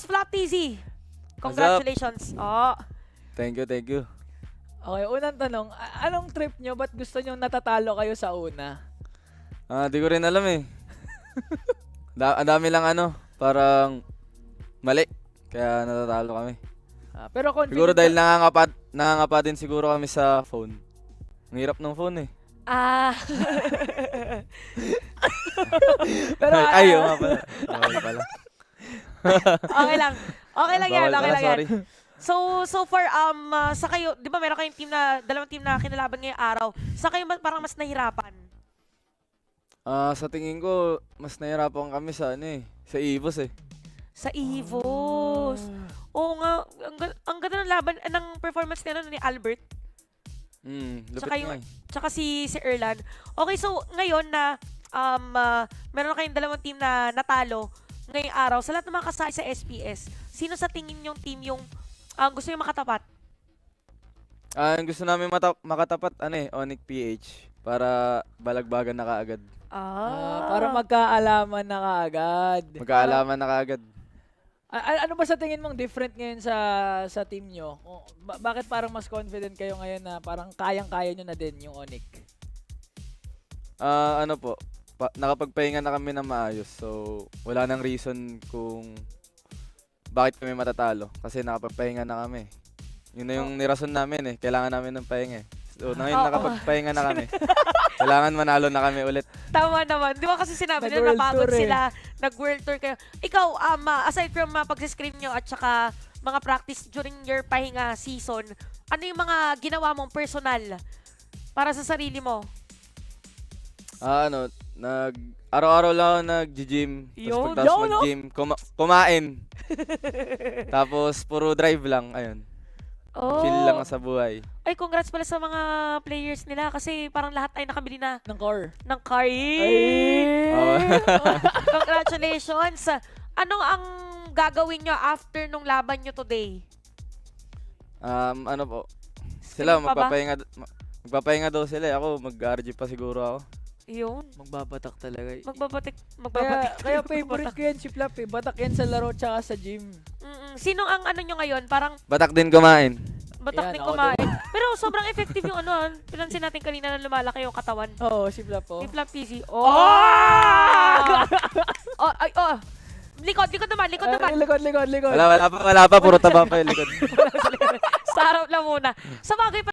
Flat TZ. Congratulations. Oh. Thank you, thank you. Okay, unang tanong, anong trip nyo? Ba't gusto nyo natatalo kayo sa una? Di ko rin alam eh. Ang dami lang parang mali. Kaya natatalo kami. Pero confident Siguro dahil nangangapa din siguro kami sa phone. Ang hirap ng phone eh. Ah. Pero Ay, oo nga pala. Bawal pala. Okay lang. Okay lang yan, Bawal okay pala, lang yan. sorry. So far, sa kayo, di ba meron kayong team na, dalawang team na kinalaban ngayong araw. Sa kayo parang mas nahirapan? Sa tingin ko, mas nahirapan kami sa sa EVOS eh. Sa EVOS. Oo nga, ang ganda ng laban, ng performance ni Albert. Lupit Tsaka nga eh. Tsaka si Erlan. Okay, so ngayon na meron na kayong dalawang team na natalo ngayong araw. Sa lahat ng mga kasali sa SPS, sino sa tingin yung team yung gusto nyo makatapat? Ang gusto namin makatapat, Onyx PH. Para balagbagan na kaagad. para magkaalaman na kaagad. Magkaalaman na kaagad. Ano ba sa tingin mong different ngayon sa team nyo? Bakit parang mas confident kayo ngayon na parang kayang-kaya nyo na din yung Onyx? Nakapagpahinga na kami ng maayos. So, wala nang reason kung bakit kami matatalo. Kasi nakapagpahinga na kami. Yun na yung nirason namin eh. Kailangan namin ng pahinga eh. So, ngayon nakapagpahinga na kami. Kailangan manalo na kami ulit. Tama naman. Di ba kasi sinabi nila Nag-world napagod tour eh. sila, nag-world tour kayo. Ikaw, aside from pag-scrim nyo at saka mga practice during your pahinga season, ano yung mga ginawa mong personal para sa sarili mo? Araw-araw lang ako nag-gym. Yun. Tapos pagtapos mag-gym, kumain. Tapos puro drive lang, ayun. Oh. Chill lang sa buhay. Ay, congrats pala sa mga players nila kasi parang lahat ay nakabili na Ng core. ng car. Oh. Congratulations! Anong ang gagawin nyo after nung laban nyo today? Sila Stream pa ba? magpapahinga daw sila. Ako mag-RG pa siguro ako. Yun. Magbabatak talaga. Magbabatik. Kaya favorite ko yan si Flap eh. Batak yan sa laro tsaka sa gym. Sino ang ano nyo ngayon? Parang Batak din kumain. batak Ayan, din ako kumain. Pero sobrang effective yung pinansin natin kanina na lumalaki yung katawan. Oo, si Flap oh. Ni Flap PZ. Likod naman. Likod. Wala pa. Puro taba pa yung likod. Sa harap lang muna. Sa bagay